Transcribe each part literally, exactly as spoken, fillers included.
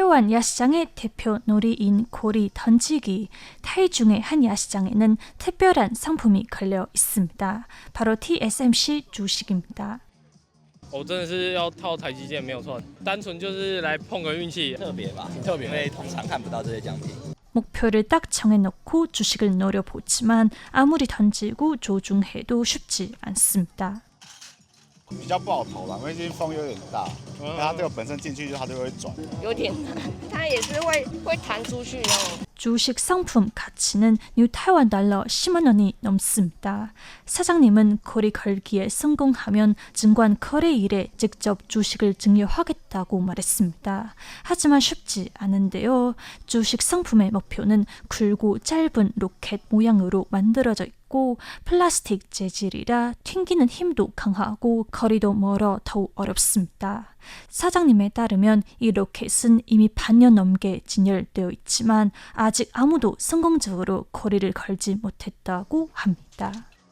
태완 야시장의 대표 놀이인 고리 던지기. 타이중의 한 야시장에는 특별한 상품이 걸려 있습니다. 바로 티에스엠씨 주식입니다. 我真的是要套台积电没有错，单纯就是来碰个运气， 特别吧，挺特别，因为通常看不到这些奖品。 목표를 딱 정해놓고 주식을 노려보지만 아무리 던지고 조중해도 쉽지 않습니다. 比较不好投啦，因为最近风有点大，它这个本身进去它就会转， 有点难，它也是会会弹出去那种。 주식 상품 가치는 뉴 타이완 달러 십만 원이 넘습니다. 사장님은 거리 걸기에 성공하면 증권 거래일에 직접 주식을 증여하겠다고 말했습니다. 하지만 쉽지 않은데요. 주식 상품의 목표는 굵고 짧은 로켓 모양으로 만들어져 있고 플라스틱 재질이라 튕기는 힘도 강하고 거리도 멀어 더욱 어렵습니다. 사장님에 따르면 이 로켓은 이미 반년 넘게 진열되어 있지만 아직 아무도 성공적으로 거리를 걸지 못했다고 합니다.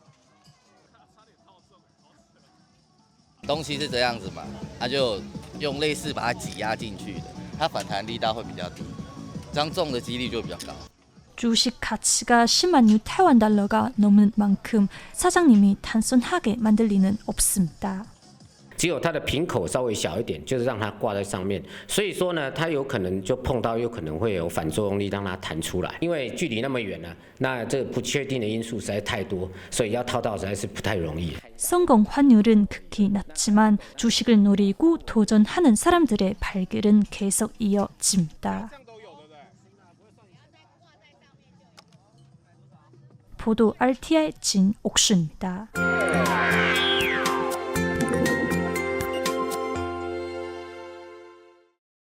东西是这样子嘛，它就用类似把它挤压进去的，它反弹力道会比较低，这样中的几率就比较高。 주식 가치가 십만 뉴 타이완 달러가 넘는 만큼 사장님이 단순하게 만들 리는 없습니다. 只有它的瓶口稍微小一点，就是让它挂在上面，所以说呢，它有可能就碰到，有可能会有反作用力让它弹出来。因为距离那么远呢，那这不确定的因素实在太多，所以要套到实在是不太容易。 성공 환율은 극히 낮지만 주식을 노리고 도전하는 사람들의 발길은 계속 이어집니다. 보도 알티아이 진옥수입니다.